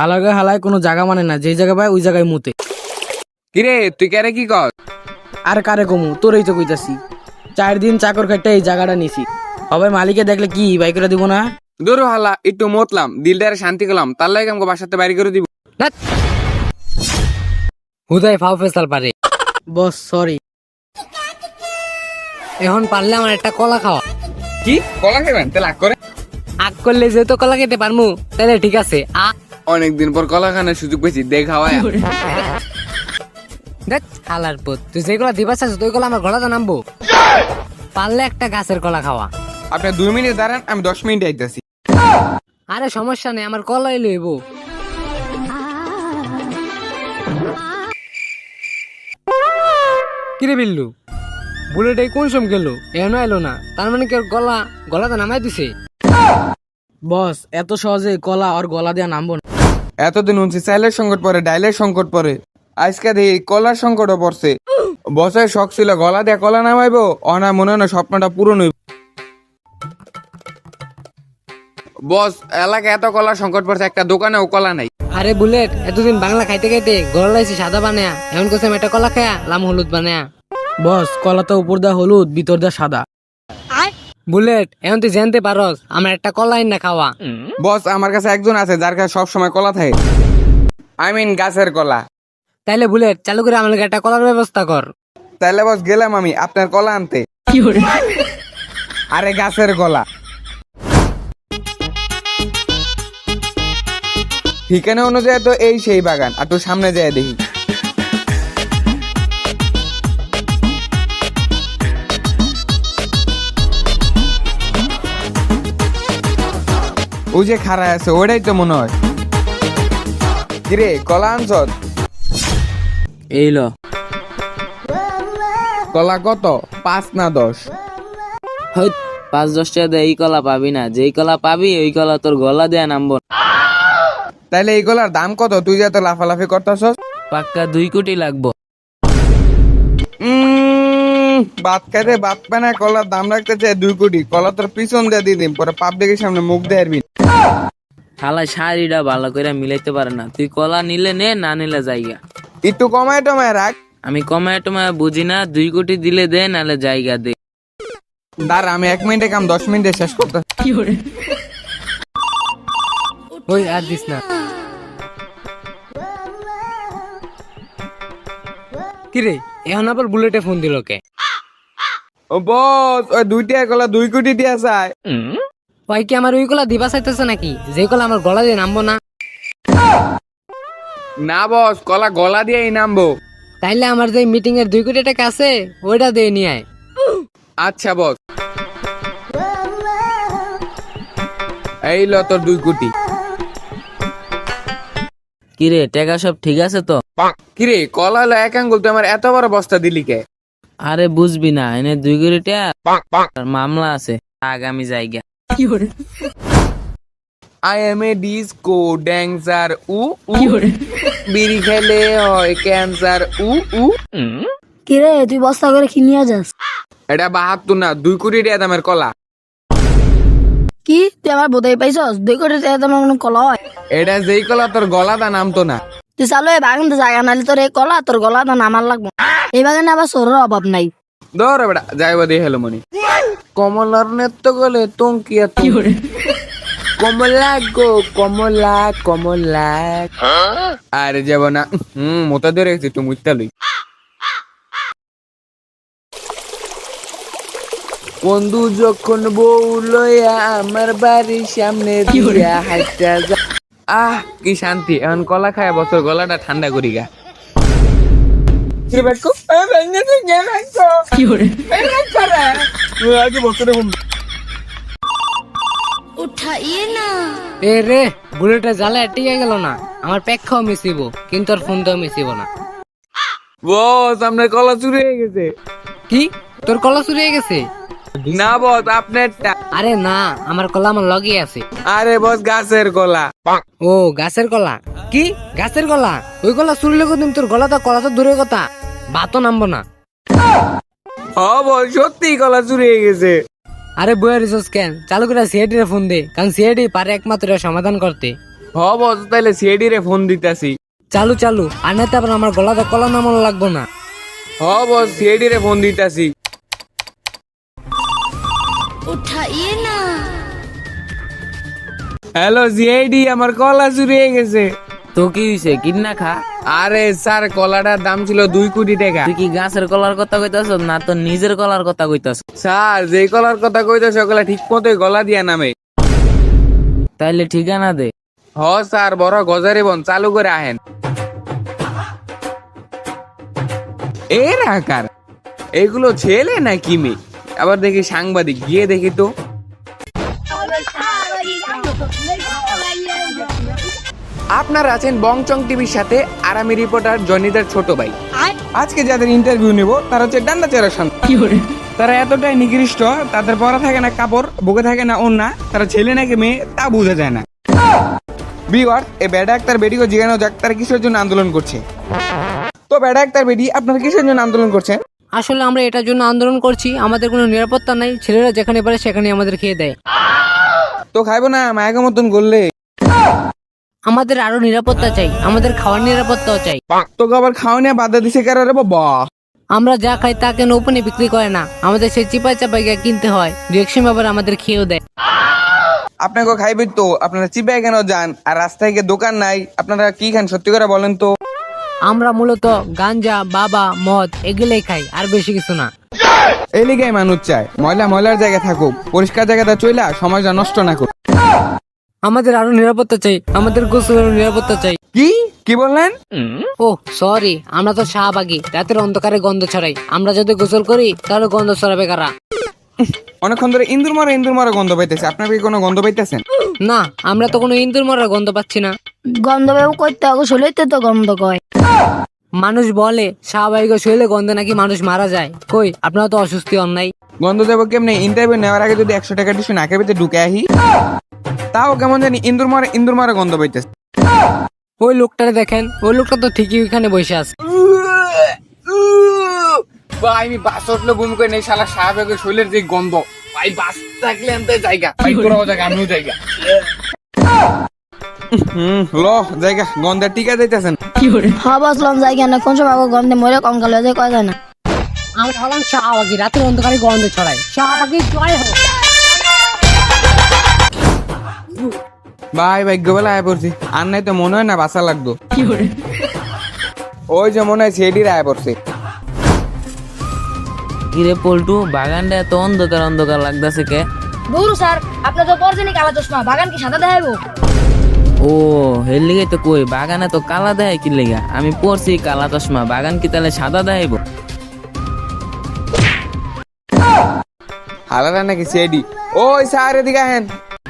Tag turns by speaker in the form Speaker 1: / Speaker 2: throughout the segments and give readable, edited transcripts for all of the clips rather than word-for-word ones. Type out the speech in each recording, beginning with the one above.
Speaker 1: হালাগে হালায় কোনো জায়গা মানে না, যেই জায়গা পায় ওই জায়গায় মুতে।
Speaker 2: কিরে তুই কেরে কি কর?
Speaker 1: আর কারে কমু, তোরই তো কইতাছি। 4 দিন চাকর খাইতে এই জায়গাটা নিছি, সবাই মালিকে দেখলে কি বাই করে দিব না?
Speaker 2: দূর হালা একটু মতলাম, দিলটারে শান্তি করলাম, তার লাগে আমাকে বাসাতে বাইরে করে দিব।
Speaker 3: হুদাই ফাও ফেসাল পারে।
Speaker 1: Boss sorry.
Speaker 3: এখন পারলে আমার একটা কলা খাওয়া।
Speaker 2: কি কলা খাবেন? তাহলে আগ করে।
Speaker 3: আগ করলে যেহেতু কলা খেতে পারমু তাহলে ঠিক আছে।
Speaker 2: অনেকদিন পর কলা খানোর সুযোগ পেয়েছি, দেখাওয়ায়।
Speaker 3: দেখ হালার পুত, তুই যেগুলো দিবা চাস তুই কলা আমার গলাতে নামবো। পারলে একটা গাছের কলা খাওয়া।
Speaker 2: আপনি 2 মিনিট দাঁড়ান, আমি 10 মিনিট আইতাছি।
Speaker 3: আরে সমস্যা নেই, আমার কলাই লইব। কিরে বিল্লু, বুলেট কোন সম গেল? এখনো এলো না, তার মানে কি ওর গলাতে নামাই দিছে?
Speaker 1: বস এত সহজে কলা আর গলা দিয়া নামবো না।
Speaker 2: এতদিন উনছি চাইলের সংকট পরে, ডাইলের সংকট পরে, আজকে দেখি কলার সংকটও পড়ছে। বসের শখ ছিল গলা দিয়ে কলা নামাইবো, অনা মনে হয় না স্বপ্নটা পূরণ হইব। বস এলাকায় এত কলার সংকট পড়ছে, একটা দোকানেও কলা নাই।
Speaker 3: আরে বুলেট, এতদিন বাংলা খাইতে খাইতে গলা লাইছি সাদা বানায়া, এখন কোসে একটা কলা খায়া লাম হলুদ বানায়া।
Speaker 1: বস কলা তো উপর দা হলুদ, ভিতর দা সাদা।
Speaker 3: বুলেট, এখন তুই জানতে পারস আমার একটা কলা না খাওয়া।
Speaker 2: বস আমার কাছে একজন আছে যার কাছে সব সময় কলা থাকে, আই মিন গাছের কলা।
Speaker 3: তাইলে বুলেট চালু করে আমার একটা কলার ব্যবস্থা কর।
Speaker 2: তাহলে বস গেলাম আমি আপনার কলা আনতে। আরে গাছের কলা। ঠিকানা অনুযায়ী তো এই সেই বাগান, আর তো সামনে যায় দেখি। ওই যে খাড়া আছে ওইটাই তো মনে হয়। কিরে কলা আনছ?
Speaker 1: এই ল।
Speaker 2: কলা কত? 5 না 10?
Speaker 4: 5-10 টাকা দিয়ে এই কলা পাবি না, যেই কলা পাবি ওই কলা তোর গলা দেয়া নামবো না।
Speaker 2: তাইলে এই কলার দাম কত? তুই যে এত লাফালাফি করতেছস।
Speaker 4: পাক্কা 2 কোটি লাগবো।
Speaker 2: বাদ খাইতে বাদ পায় না, কলার দাম রাখতে চাই 2 কোটি। কলা তোর পিছন দিয়ে দিয়ে দিন, পরে পাবলিকের সামনে মুখ দিয়ে আরবি।
Speaker 4: শালা শাড়িটা ভালো করে মিলাইতে পারে না। তুই কলা নিলে নে, না নিলে জায়গা।
Speaker 2: একটু কমায় টমায় রাখ।
Speaker 4: আমি কমায় টমায় বুঝি না, 2 কোটি দিলে দে, নালে জায়গা দে।
Speaker 2: দাঁড়া আমি 1 মিনিটে কাম 10 মিনিটে শেষ করতে।
Speaker 3: ওই আর দিস না। কিরে এখন আবার বুলেটে ফোন দিল কে?
Speaker 2: ও বস, ওই 2 টাকা কলা 2 কোটি দিয়া যায়।
Speaker 3: ওই কি আমার ওই কলা দিবা চাইতেছে নাকি, যে কলা আমার গলা দিয়ে নামবো না?
Speaker 2: না বস, কলা গলা দিয়েই নামবো।
Speaker 3: তাইলে আমার যে মিটিং এর 2 কোটি টাকা আছে ওইটা দিয়ে নিয়ে আয়।
Speaker 2: আচ্ছা বস, এই ল তোর 2 কোটি।
Speaker 4: কিরে টাকা সব ঠিক আছে তো?
Speaker 2: কিরে কলা হলো 1 আঙ্গুল, তুই আমার এত বড় বস্তা দিলি কে?
Speaker 4: আরে বুঝবি না, এনে 2 কোটি টাকা মামলা আছে, আগামী জায়গা।
Speaker 2: I am a disco dancer উ উ, বিড়ি খেলে হয় ক্যান্সার উ উ।
Speaker 5: কিরে তুই বস্তা করে কি নিয়ে যাস?
Speaker 2: এটা 72 না, 2 কোটি টাকা দামের কলা।
Speaker 5: কি তুই আমার বোধাই পাইছস? 2 কোটি টাকা তোমার কোনো কলা হয়?
Speaker 2: এটা যেই কলা তোর গলা দা নামতো না।
Speaker 5: তুই চালু এই বাগান জায়গা নালি তোর এই কলা তোর গলা তো নামার লাগবো। এই বাগানে আবার সরের অভাব নাই।
Speaker 2: ধর বেটা যাইব দিয়ে হেলো মনি। কমলার নেত্য গলে তঙ্কিয়া কি করে? কমলা গো কমলা কমলা। আরে যাব না, মোটা ধরে গেছি একটু মুইতা লই। বন্ধু যখন বউ লইয়া আমার বাড়ির সামনে দিয়া হাইটা যা, আহ কি শান্তি। এখন কলা খায় বছর গলাটা ঠান্ডা করি গা।
Speaker 3: এ রে বুলেটে জ্বালা টিকে গেল না, আমার পেক্ষাও মিশিব কিন্তু আর ফোনটাও মিশিব না।
Speaker 2: বস আপনার কলা চুরি হয়ে গেছে।
Speaker 3: কি তোর কলা চুরি হয়ে গেছে?
Speaker 2: না বস আপনারটা।
Speaker 3: আরে না, আমার কলা আমার লগে আছে।
Speaker 2: আরে বস গাছের কলা।
Speaker 3: ও গাছের কলা? কি গাছের কলা? ওই কলা চুরি লেগে তুমি তোর কলা তো দূরের কথা, ভাতও নামবো না।
Speaker 2: ও বস সত্যি কলা চুরি হয়ে গেছে।
Speaker 3: আরে বইয়ের রিসোর্স কেন চালু করে সিআইডি রে ফোন দে, কারণ সিআইডি পারে একমাত্র সমাধান করতে।
Speaker 2: হ বস তাইলে সিআইডি রে ফোন দিতাছি।
Speaker 3: চালু চালু, আর না তারপর আমার গলাটা কলা নামানো লাগবো না।
Speaker 2: হ বস সিআইডি রে ফোন দিতাছি। হ্যালো সিআইডি, আমার কলা চুরি হয়ে গেছে।
Speaker 4: তো কি হইছে, কিন্না খা।
Speaker 2: আরে স্যার কলাটার দাম ছিল 2 কোটি টাকা।
Speaker 4: তুই কি গাছের কলার কথা কইতাছ না তো নিজের কলার কথা কইতাছ?
Speaker 2: স্যার যে কলার কথা কইতেছে ওগুলা ঠিক মতো গলা দিয়া নামে।
Speaker 4: তাইলে ঠিকানা দে।
Speaker 2: হ স্যার, বড় গজারি বন চালু করে আহেন। এ রাকার, এগুলো ছেলে নাকি মেয়ে? আবার দেখি সাংবাদিক, গিয়ে দেখি তো। আপনারা আছেন বংচং টিভির সাথে, আর আমি রিপোর্টার জনিদার ছোট ভাই। আজকে যাদের ইন্টারভিউ নেব তারা হচ্ছে ডান্ডা চেরা সন্তান। তারা এতটাই নিকৃষ্ট, তাদের পরা থাকে না কাপড়, বুকে থাকে না ওড়না, তারা ছেলে নাকি মেয়ে তা বোঝা যায় না। ভিউয়ার্স, এই বেডা ডাক্তার বেডিকে জিজ্ঞাসা যাক তারা কিসের জন্য আন্দোলন করছে। তো বেডা ডাক্তার বেডি, আপনারা কিসের জন্য আন্দোলন করছেন?
Speaker 3: আসলে আমরা এটার জন্য আন্দোলন করছি, আমাদের কোনো নিরাপত্তা নাই, ছেলেরা যেখানে পারে সেখানে আমাদের খেয়ে দেয়।
Speaker 2: তো খাইবো না মায়াকে মতন করলে?
Speaker 3: আমাদের আরো নিরাপত্তা চাই, আমাদের খাওয়ার নিরাপত্তাও চাই।
Speaker 2: তোকে আবার খাওয়া নিয়ে বাধা দিছে কারো রে বাবা?
Speaker 3: আমরা যা খাই তা কেন ওপেনে বিক্রি করে না, আমাদের সেই চিপাই চাপাই গিয়ে কিনতে হয়, দু এক সময় আবার আমাদের খেয়েও দেয়।
Speaker 2: আপনাকে খাইবেন তো আপনারা চিপায় কেন যান? আর রাস্তায় গিয়ে দোকান নাই, আপনারা কি খান সত্যি করে বলেন তো?
Speaker 3: আমরা মূলত গাঞ্জা, বাবা, মদ এগুলোই খাই, আর বেশি কিছু না।
Speaker 2: এই লিগাই মানুষ চায় ময়লার জায়গায় থাকুক, পরিষ্কার জায়গাটা চইলা সমাজটা নষ্ট না করুক।
Speaker 3: আমাদের আরো নিরাপত্তা চাই, আমাদের গোসলের নিরাপত্তা চাই।
Speaker 2: কি বললেন?
Speaker 3: ও সরি, আমরা তো শাহবাগী, রাতের অন্ধকারে গন্ধ ছড়াই, আমরা যদি গোসল করি তাহলে গন্ধ ছড়াবে কারা?
Speaker 2: অনেকক্ষণ ধরে ইন্দুর মারা গন্ধ পাইতেছে, আপনার কি কোনো গন্ধ পাইতেছেন?
Speaker 3: না, আমরা তো কোনো ইন্দুর মরার গন্ধ পাচ্ছি না।
Speaker 5: গন্ধ বেউ করতে হবে, শরীরতে তো গন্ধ কয়।
Speaker 3: মানুষ বলে শাহবাগী শরীরে গন্ধে নাকি মানুষ মারা যায়, কই আপনারা তো অসুস্থ হন নাই।
Speaker 2: গন্ধ দেবো কেমনে? ইন্টারভিউ নেওয়ার আগে যদি 100 টাকা টিসু নাকের ভিতরে ঢুকে আহি, তাও কেমন জানি ইন্দুর মারা গন্ধ পাইতেছে।
Speaker 3: ওই লোকটারে দেখেন, ওই লোকটা তো ঠিকই ওইখানে বসে আছে।
Speaker 2: ভাই আমি বাস উঠলে বমি করে নেই, শালা সাহেবের শরীরের যে গন্ধ, ভাই বাস থাকলে আনতে জায়গা, ভাই তোরাও জায়গা আমিও জায়গা। জায়গা গন্ধের টিকা দিতেছেন।
Speaker 5: হ্যাঁ বসলাম যাই কেন, কোন সময় গন্ধে মরে কঙ্কাল হয়ে যায় কয় যায় না।
Speaker 3: আমরা হলাম শাহবাগী, রাতের অন্ধকারে গন্ধ ছড়াই, শাহবাগী জয় হোক।
Speaker 2: ভাই ভাগ্যবেলা আয় পড়ছি, আর নাই তো মনে হয় না বাসা লাগতো। ওই যে মনে হয় সেডির আয় পড়ছে।
Speaker 4: কিরে পল্টু, বাগানটা এত অন্ধকার অন্ধকার লাগতেছে কে?
Speaker 5: দূর স্যার, আপনি তো পরছেনই কালা চশমা, বাগান কি সাদা দেখাইবো?
Speaker 4: ও হের লিগে তো কই, বাগানে তো কালা দেয় কি লেগা? আমি পড়ছি কালা চশমা, বাগান কি তাহলে সাদা দেখাইবো?
Speaker 2: হালারা নাকি সেডি? ওই স্যার এদিকে আহেন।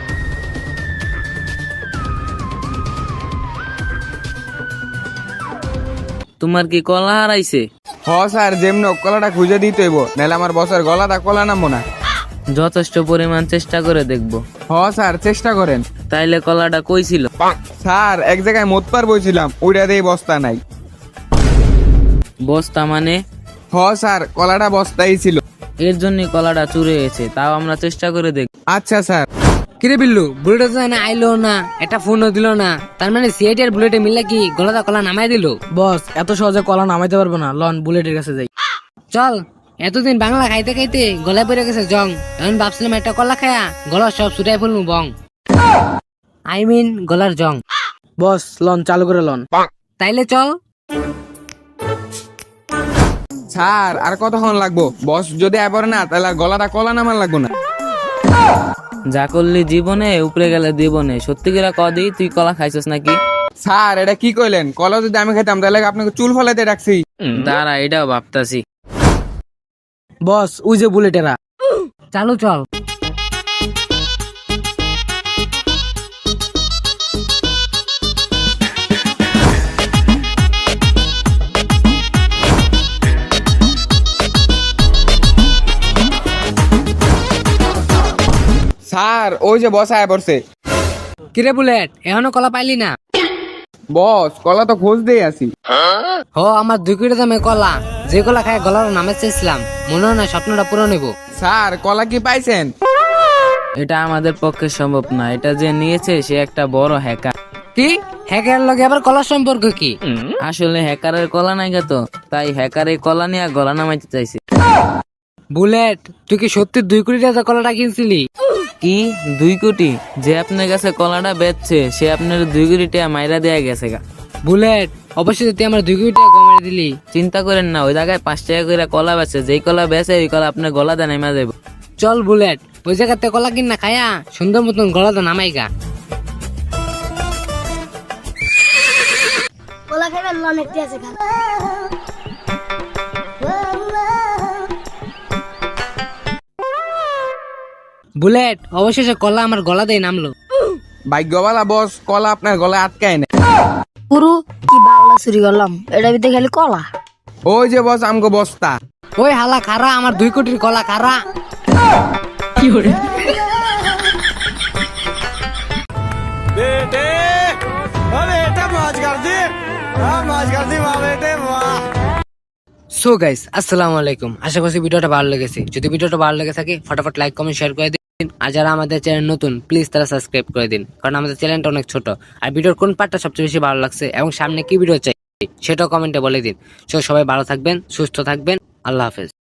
Speaker 4: তোমার কি কলা হারাইছে?
Speaker 2: হ স্যার, যেমন কলাটা খুঁজে দিতে হইব, নাহলে আমার বসের গলাটা কলা নামবো না।
Speaker 4: যথেষ্ট পরিমাণ চেষ্টা করে দেখবো।
Speaker 2: হ স্যার, চেষ্টা করেন।
Speaker 4: তাইলে কলাটা কই ছিল?
Speaker 2: স্যার এক জায়গায় মোতপার বইছিলাম, ওইটা দিয়ে বস্তা নাই।
Speaker 4: বস্তা মানে?
Speaker 2: হ স্যার, কলাটা বস্তাই ছিল।
Speaker 4: এর জন্য কলাটা চুরে গেছে, তাও আমরা চেষ্টা করে দেখ।
Speaker 2: আচ্ছা স্যার।
Speaker 3: কিরে বিল্লু, বুলেট তো না আইলো না, একটা ফোনও দিল না, তার মানে সিআইডি আর বুলেটে মিললে কি গলাটা কলা নামাই দিল?
Speaker 1: বস এত সহজে কলা নামাইতে পারবো না, লন বুলেটের কাছে যাই।
Speaker 3: চল, এতদিন বাংলা খাইতে খাইতে গলায় পড়ে গেছে জং, এখন ভাবছিলাম একটা কলা খায়া গলা সব ছুটাই ফেলবো বং, আই মিন গলার জং।
Speaker 1: বস লন চালু করে লন।
Speaker 3: তাইলে চল।
Speaker 2: স্যার আর কতক্ষণ লাগবো? বস যদি আয় পড়ে না তাহলে আর গলাটা কলা নামান লাগবো না।
Speaker 4: যা করলি জীবনে, উপরে গেলে জীবনে। সত্যি করে কদি, তুই কলা খাইছস নাকি?
Speaker 2: স্যার এটা কি কইলেন? কলা যদি আমি খেতাম তাহলে আপনাকে চুল ফলাইতে রাখছি।
Speaker 4: দাঁড়া, এটাও ভাবতাছি।
Speaker 1: বস ওই যে বুলেটেরা।
Speaker 3: চালু চল।
Speaker 2: স্যার ওই যে বস আয় পড়ছে।
Speaker 3: কিরে বুলেট, এখনো কলা পাইলি না?
Speaker 2: বস কলা তো খোঁজ দিয়ে আসি।
Speaker 3: ও আমার 2 কোটি দামে কলা, যে কলা খায় গলার নামে চেয়েছিলাম, মনে হয় না স্বপ্নটা পুরো নেব।
Speaker 2: স্যার কলা কি পাইছেন?
Speaker 4: এটা আমাদের পক্ষে সম্ভব না, এটা যে নিয়েছে সে একটা বড় হ্যাকার।
Speaker 3: কি হ্যাকের লগে আবার কলার সম্পর্ক কি?
Speaker 4: আসলে হ্যাকারের কলা নাই তো, তাই হ্যাকার এই কলা নিয়ে গলা নামাইতে চাইছে।
Speaker 3: বুলেট, তুই কি সত্যি 2 কোটি টাকা কলাটা কিনছিলি?
Speaker 4: কি 2 কোটি? যে আপনার কাছে কলাটা বেচছে সে আপনার 2 কোটি টাকা মাইরা দেয়া গেছে গা।
Speaker 3: বুলেট, অবশ্যই তুই আমার 2 কোটি টাকা কমাই দিলি।
Speaker 4: চিন্তা করেন না, ওই জায়গায় 5 টাকা করে কলা বেচে, যেই কলা বেচে ওই কলা আপনার গলাতে নামা যাবে।
Speaker 3: চল বুলেট, ওই জায়গাতে কলা কিন না খায়া সুন্দর মতন গলাটা নামাইগা।
Speaker 5: কলা খাইবে অনেকটি আছে খা।
Speaker 3: বুলেট, অবশেষে কলা আমার গলাতেই নামলো।
Speaker 2: ভাগ্যবালা বস, কলা আপনার গলায় আটকায় না।
Speaker 5: পুরু কি বাংলা চুরি করলাম, এটা ভিতরে খালি কলা।
Speaker 2: ওই যে বস আমগো বস্তা।
Speaker 3: ওই হালা খারা, আমার 2 কোটির কলা খারা। সো গাইস, আসসালামু আলাইকুম। আশা করছি ভিডিওটা ভালো লেগেছে। যদি ভিডিওটা ভালো লেগে থাকে ফটাফট লাইক কমেন্ট শেয়ার করে দিন। আর যারা আমাদের চ্যানেল নতুন প্লিজ তারা সাবস্ক্রাইব করে দিন, কারণ আমাদের চ্যানেলটা অনেক ছোট। আর ভিডিওর কোন পার্টটা সবচেয়ে বেশি ভালো লাগছে এবং সামনে কি ভিডিও চাই সেটাও কমেন্টে বলে দিন। সো সবাই ভালো থাকবেন, সুস্থ থাকবেন। আল্লাহ হাফেজ।